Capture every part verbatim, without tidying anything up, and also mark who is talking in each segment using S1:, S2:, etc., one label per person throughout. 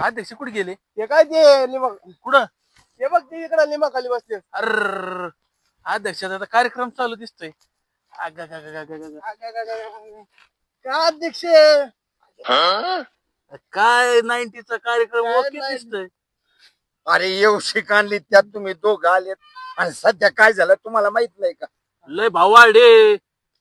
S1: अध्यक्ष कुठे गेले?
S2: हे काय ते लिंबा
S1: कुठं?
S2: हे बघ ते इकडे लिंबा खाली बसले.
S1: अर अध्यक्षाचा आता कार्यक्रम चालू दिसतोय. अग ग ग ग ग ग.
S2: काय अध्यक्ष
S1: काय नाईन्टीचा कार्यक्रम
S2: काय
S1: ओके
S2: नाही.
S1: दिसतोय.
S3: अरे येवशी काढली त्यात तुम्ही दोघं आलेत आणि सध्या काय झालं तुम्हाला माहित नाही का?
S1: लय भाऊ वाढे.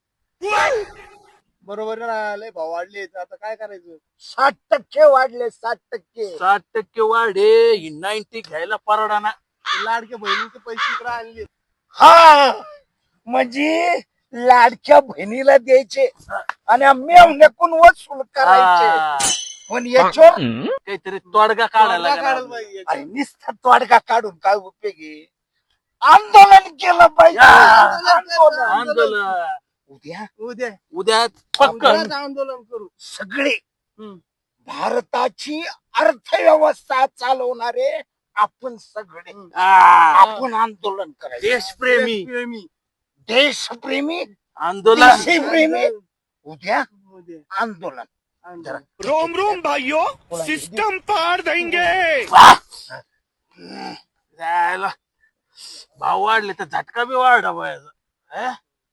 S2: बरोबर ना, लय भाव वाढले आता काय करायचं.
S3: साठ टक्के वाढले साठ टक्के.
S1: साठ टक्के वाढे ही नाईन्टी घ्यायला परवडाना.
S2: ते लाडक्या बहिणीचे पैसे इकडे आणले.
S3: हा म्हणजे लाडक्या बहिणीला द्यायचे आणि मेवण्याकून वसूल करायचे.
S1: हा.
S3: पण याच्यावर
S1: काहीतरी तोडगा काढायला
S2: काढायला
S1: लागला.
S2: पाहिजे.
S3: अरे नुसता तोडगा काढून काय उपयोग आहे? आंदोलन केलं पाहिजे.
S1: या.
S3: आंदोलन.
S1: आंदोलन
S3: उद्या
S2: उद्या
S1: उद्या पक्क.
S2: उद्याच आंदोलन करू.
S3: सगळे
S1: हम्म.
S3: भारताची अर्थव्यवस्था चालवणारे आपण सगळे
S1: आ.
S3: आपण आंदोलन करायचं.
S1: देशप्रेमी
S2: प्रेमी
S3: देशप्रेमी
S1: आंदोलन.
S3: देशप्रेमी उद्या
S2: उद्या
S3: आंदोलन.
S2: आंदोलन.
S4: रोम रोम भाइयों, सिस्टम पार देंगे।
S1: जायला भाव वाढले तर झटका बी वाढा पाहिजे.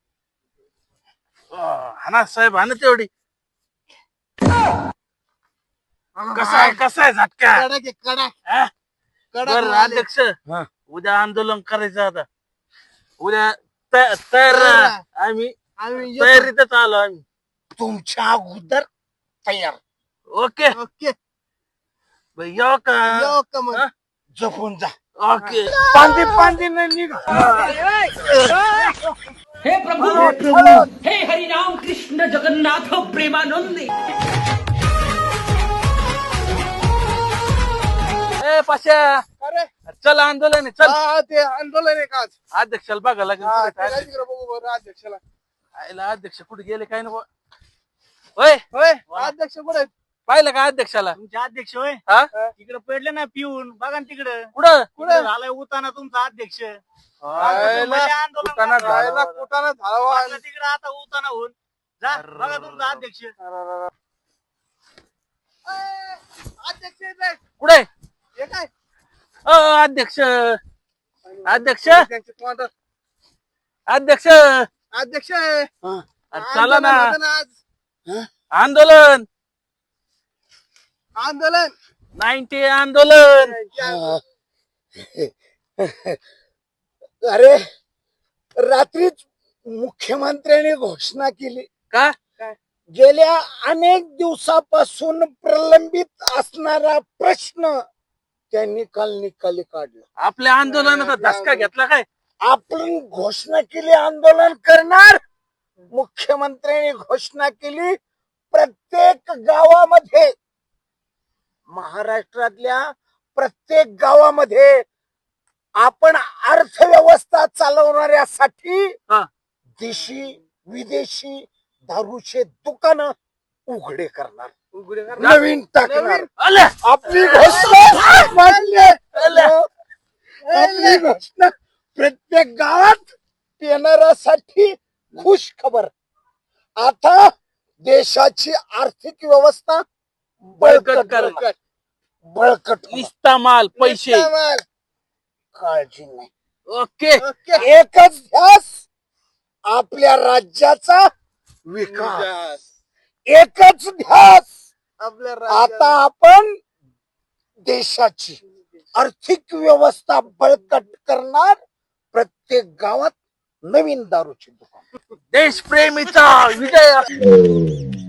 S1: हाना साहेब हाना तेवढी. कसा आहे कसा आहे झटका?
S2: कडक आहे, कडक
S1: हा?
S2: कडक
S1: बरं
S2: माल आहे.
S1: अध्यक्ष
S3: हा.
S1: उद्या आंदोलन करायचं आता. उद्या त- तयार राहा. आम्ही
S2: आम्ही येतो.
S1: तयारीतच आलो आम्ही.
S3: तुमच्या अगोदर तयार.
S1: ओके
S2: ओके
S1: बाई, येऊ का?
S2: येऊ का मग?
S1: हा?
S3: जपून जा.
S1: ओके
S3: पांदी पांदी नाही निघा.
S5: हे प्रभु हे हरिनाम कृष्ण जगन्नाथ प्रेमानंद।
S1: ए पाशा
S2: अरे
S1: चल आंदोलन आहे, चल.
S2: हा ते आंदोलन आहे का आज?
S1: अध्यक्षाला बघा लागेल
S2: हा,
S1: कुठे
S2: ते काय
S1: काय.
S2: तिकडे बघू बरं अध्यक्षाला.
S1: आईला अध्यक्ष कुठे गेले काय ना. होय
S2: होय
S1: वा.
S2: अध्यक्ष कुठे आहेत?
S1: पाहिलं का अध्यक्षाला?
S6: तुमचे अध्यक्ष होय
S1: हा
S6: तिकडे पडले ना पिऊन बघा ना तिकडं
S1: कुठं?
S6: कुठे झालाय उताना तुमचा अध्यक्ष
S2: आयला,
S6: आंदोलन
S1: कुटाणा
S6: करायला.
S2: जायला कुटाणा झाला.
S6: बघा तिकडे आता उताना होऊन जा बघा तुमचा अध्यक्ष
S2: अध्यक्ष येत आहेत.
S1: कुठे?
S2: हे काय
S1: अ, अध्यक्ष अध्यक्ष
S2: त्यांचे तोंड-
S1: अध्यक्ष
S2: अध्यक्ष आहे.
S1: चला ना.
S2: आंदोलन होतं ना आज.
S1: आंदोलन
S2: आंदोलन
S1: नाईन्टी आंदोलन.
S3: अरे रात्रीच मुख्यमंत्र्यांनी घोषणा केली.
S1: का?
S3: गेल्या अनेक दिवसापासून प्रलंबित असणारा प्रश्न त्यांनी काल निकाली काढला.
S1: आपल्या आंदोलनाचा धसका घेतला काय?
S3: आपण घोषणा केली आंदोलन करणार. मुख्यमंत्र्यांनी घोषणा केली प्रत्येक गावामध्ये महाराष्ट्रातल्या प्रत्येक गावामध्ये आपण अर्थव्यवस्था चालवणाऱ्यासाठी
S1: हा.
S3: देशी विदेशी दारूचे दुकान उघडे करणार.
S2: उघडे कर.
S3: नवीन टाकणार.
S2: नवीन.
S1: आले.
S3: आपली घोषणा मान्य. आपली घोषणा प्रत्येक गावात येणाऱ्यासाठी खुश खबर. आता देशाची आर्थिक व्यवस्था
S1: बळकट
S3: बळकट
S1: कर.
S3: होणार. बळकट होणार.
S1: निस्ता माल पैसे.
S2: निस्तामाल.
S3: काळजी नाही.
S1: Okay
S2: okay.
S3: एकच ध्यास आपल्या राज्याचा विकास.
S2: विकास.
S3: एकच ध्यास
S2: आपल्या
S3: आता
S2: राज्याला
S3: आपण देशाची आर्थिक व्यवस्था बळकट करणार. प्रत्येक गावात नवीन दारूची दुकान.
S1: देशप्रेमीचा विजय असो.